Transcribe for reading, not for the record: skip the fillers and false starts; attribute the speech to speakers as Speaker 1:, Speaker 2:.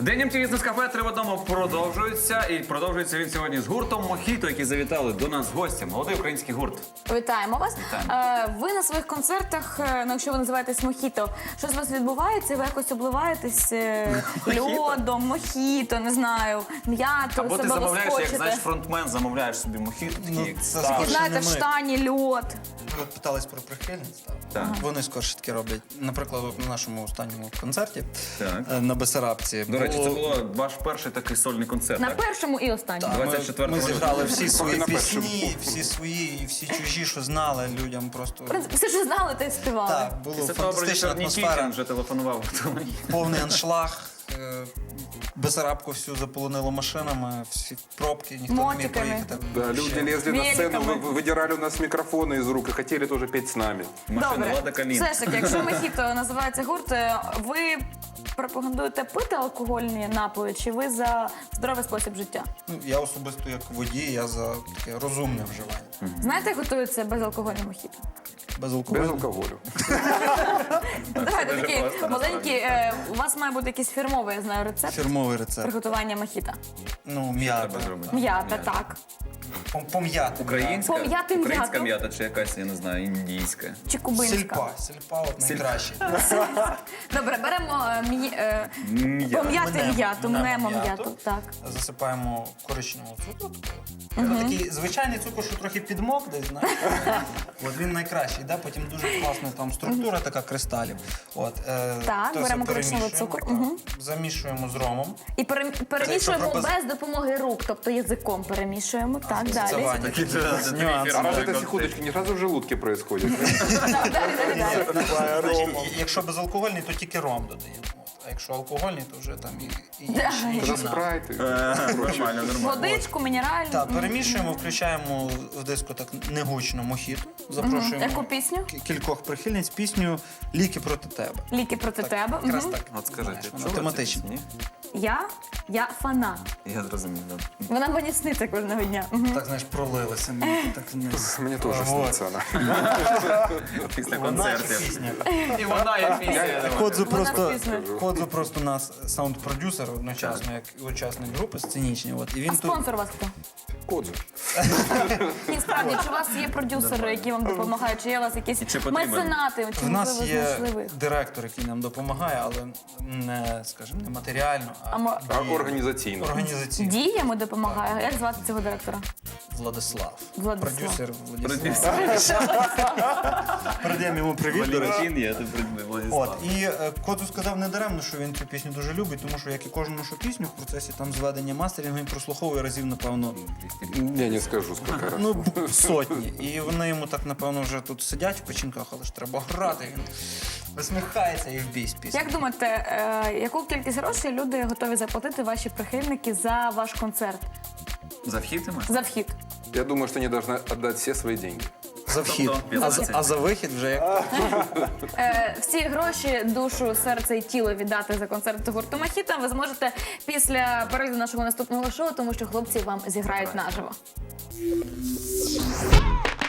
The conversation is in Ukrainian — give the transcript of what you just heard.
Speaker 1: День МТВ з Нескафе 3 в одному продовжується. І продовжується він сьогодні з гуртом Мохіто, які завітали до нас гості. Молодий український гурт.
Speaker 2: Вітаємо вас.
Speaker 1: Вітаємо.
Speaker 2: Ви на своїх концертах, ну, якщо ви називаєтесь Мохіто, щось у вас відбувається, ви якось обливаєтесь льодом, мохіто, не знаю, м'ятою,
Speaker 1: Або ти
Speaker 2: себе
Speaker 1: замовляєш, як
Speaker 2: розкочите.
Speaker 1: знаєш, фронтмен, замовляєш собі Мохіто, такі,
Speaker 3: Ну,
Speaker 1: як
Speaker 3: це
Speaker 1: став.
Speaker 3: скорше
Speaker 2: Знаєте,
Speaker 3: не
Speaker 2: в
Speaker 3: ми.
Speaker 2: штані льод.
Speaker 3: Ви питались про прихильниць,
Speaker 1: Так.
Speaker 3: Вони скорше таки роблять. Наприклад, от на нашому останньому концерті
Speaker 1: Так.
Speaker 3: на Бесарабці.
Speaker 1: До речі, це був ваш перший такий сольний концерт,
Speaker 2: На
Speaker 1: так?
Speaker 2: першому і останньому.
Speaker 1: 24
Speaker 3: Ми зіграли всі свої
Speaker 4: на першому.
Speaker 3: пісні, всі свої і всі чужі, що знали людям просто.
Speaker 2: В принципі, все, що знали, те й співали.
Speaker 3: Так, було
Speaker 1: Після того
Speaker 3: фантастична
Speaker 1: продюсер Нікітін
Speaker 3: атмосфера,
Speaker 1: вже телефонував.
Speaker 3: повний аншлаг. Бесарабку всю заполонило машинами, всі пробки, ніхто не міг
Speaker 2: Мотиками.
Speaker 3: проїхати.
Speaker 4: Да, люди лезли на сцену,
Speaker 2: Великами.
Speaker 4: выдирали у нас микрофоны из рук и хотели тоже петь с нами.
Speaker 1: Машина
Speaker 2: Добре,
Speaker 1: Лада Калін.
Speaker 2: все ж таки, якщо Мохіто називається гурт, ви пропагандуєте пити алкогольні напої, чи ви за здоровий спосіб життя?
Speaker 3: Ну, я особисто як водій, я за таке розумне вживання.
Speaker 2: Знаєте, як готується безалкогольне Мохіто?
Speaker 3: Без
Speaker 4: Без
Speaker 3: алкоголю.
Speaker 4: алкоголю.
Speaker 2: Давайте
Speaker 1: дуже
Speaker 2: такий
Speaker 1: просто,
Speaker 2: маленький, у вас має бути якийсь фірмовий, я знаю, рецепт
Speaker 3: Фірмовий рецепт.
Speaker 2: приготування Мохіто.
Speaker 3: Ну, м'ята.
Speaker 1: Треба зробити.
Speaker 2: М'ята, так.
Speaker 3: Пом'яти.
Speaker 1: Українська?
Speaker 2: Пом'яти
Speaker 1: Українська
Speaker 2: м'яту.
Speaker 1: м'ята чи якась, я не знаю, індійська.
Speaker 2: Чи кубинська.
Speaker 3: Сільпа от найкраще.
Speaker 2: Добре, беремо
Speaker 1: М'ята.
Speaker 2: пом'яти м'яту, мнемо
Speaker 3: м'яту.
Speaker 2: м'яту. Так.
Speaker 3: Засипаємо коричневого цукру. Такий звичайний цукор, що трохи підмок десь, знаєш. От він найкращий, да? Потім дуже класна там структура така кристалів. От,
Speaker 2: Так,
Speaker 3: то все
Speaker 2: беремо коричневий
Speaker 3: перемішуємо,
Speaker 2: цукор.
Speaker 3: так.
Speaker 2: Мгм.
Speaker 3: Замішуємо з ромом.
Speaker 2: І перемішуємо
Speaker 3: Якщо
Speaker 2: без допомоги рук, тобто язиком перемішуємо. Так,
Speaker 3: Це
Speaker 2: далі.
Speaker 3: Ваня.
Speaker 1: Такий
Speaker 3: Нюанс.
Speaker 4: А раз
Speaker 1: Такой
Speaker 4: это секундочки, не сразу в желудке происходит.
Speaker 2: Далі.
Speaker 3: Значить, якщо безалкогольний, то тільки ром додаємо. От. А якщо алкогольний, то вже там і інші
Speaker 4: Тогда
Speaker 3: напої.
Speaker 4: спрайты.
Speaker 1: Нормально, нормально.
Speaker 2: Водичку, мінеральну.
Speaker 3: Так, перемішуємо, включаємо в диско так негучно мохіто. Запрошуємо
Speaker 2: Яку пісню?
Speaker 3: кількох прихильниць пісню «Ліки проти тебе».
Speaker 2: Ліки проти тебе.
Speaker 3: Якраз
Speaker 2: Мгм.
Speaker 3: так.
Speaker 1: От скажіть,
Speaker 3: Знаєш,
Speaker 1: чули
Speaker 3: вона тематична.
Speaker 1: цю пісню?
Speaker 2: Я фанат.
Speaker 1: Я зрозумів, да.
Speaker 2: Вона мені сниться кожного дня. Мгм.
Speaker 3: Так, знаєш, пролилася. Мені так вниз.
Speaker 4: Мне тоже
Speaker 3: Вот.
Speaker 4: снится она.
Speaker 1: Після
Speaker 3: Вона чи
Speaker 1: концертів.
Speaker 3: пісня?
Speaker 1: І вона як пісня.
Speaker 3: Ходзу
Speaker 2: Вона
Speaker 3: просто,
Speaker 2: пісня.
Speaker 3: Ходзу просто у нас саунд-продюсер одночасно, як і учасник групи сценічні. От. І він тут
Speaker 2: Спонсор у вас хто?
Speaker 4: Кодзу.
Speaker 2: Ні, справді, чи у вас є продюсери, які вам допомагають, чи є у вас якісь
Speaker 1: Чи потрібен?
Speaker 2: меценати, чи
Speaker 3: в нас
Speaker 2: можливо
Speaker 3: є
Speaker 2: знайшли ви?
Speaker 3: директор, який нам допомагає, але не, скажімо, не матеріально,
Speaker 2: А
Speaker 3: а
Speaker 2: мо-
Speaker 4: А организацийно.
Speaker 3: організаційно.
Speaker 2: Діями допомагає. Як звати цього директора?
Speaker 3: Владислав.
Speaker 2: Владислав.
Speaker 3: Продюсер Владислав.
Speaker 1: Продюсер.
Speaker 3: Передаємо йому привіт, до речі.
Speaker 1: Валентин, я тут
Speaker 3: От,
Speaker 1: Владислав.
Speaker 3: і Кодзу сказав не даремно, що він цю пісню дуже любить, тому що, як і кожну нашу пісню, в процесі там зведення мастерінгу він прослуховує разів, напевно,
Speaker 4: Я не скажу, сколько раз.
Speaker 3: ну, сотні. І вони йому так, напевно, вже тут сидять в печінках, але ж треба грати. Він висміхається і в бій з пісні.
Speaker 2: Як думаєте, яку кількість грошей люди готові заплатити ваші прихильники за ваш концерт?
Speaker 1: За вхід ти маєш?
Speaker 2: За вхід?
Speaker 4: Я думаю, что они должны отдать все свои деньги.
Speaker 3: За вхід.
Speaker 1: Тобто,
Speaker 3: А за вихід вже як.
Speaker 2: Всі гроші, душу, серце і тіло віддати за концерт гурту Мохіто ви зможете після перегляду нашого наступного шоу, тому що хлопці вам зіграють наживо.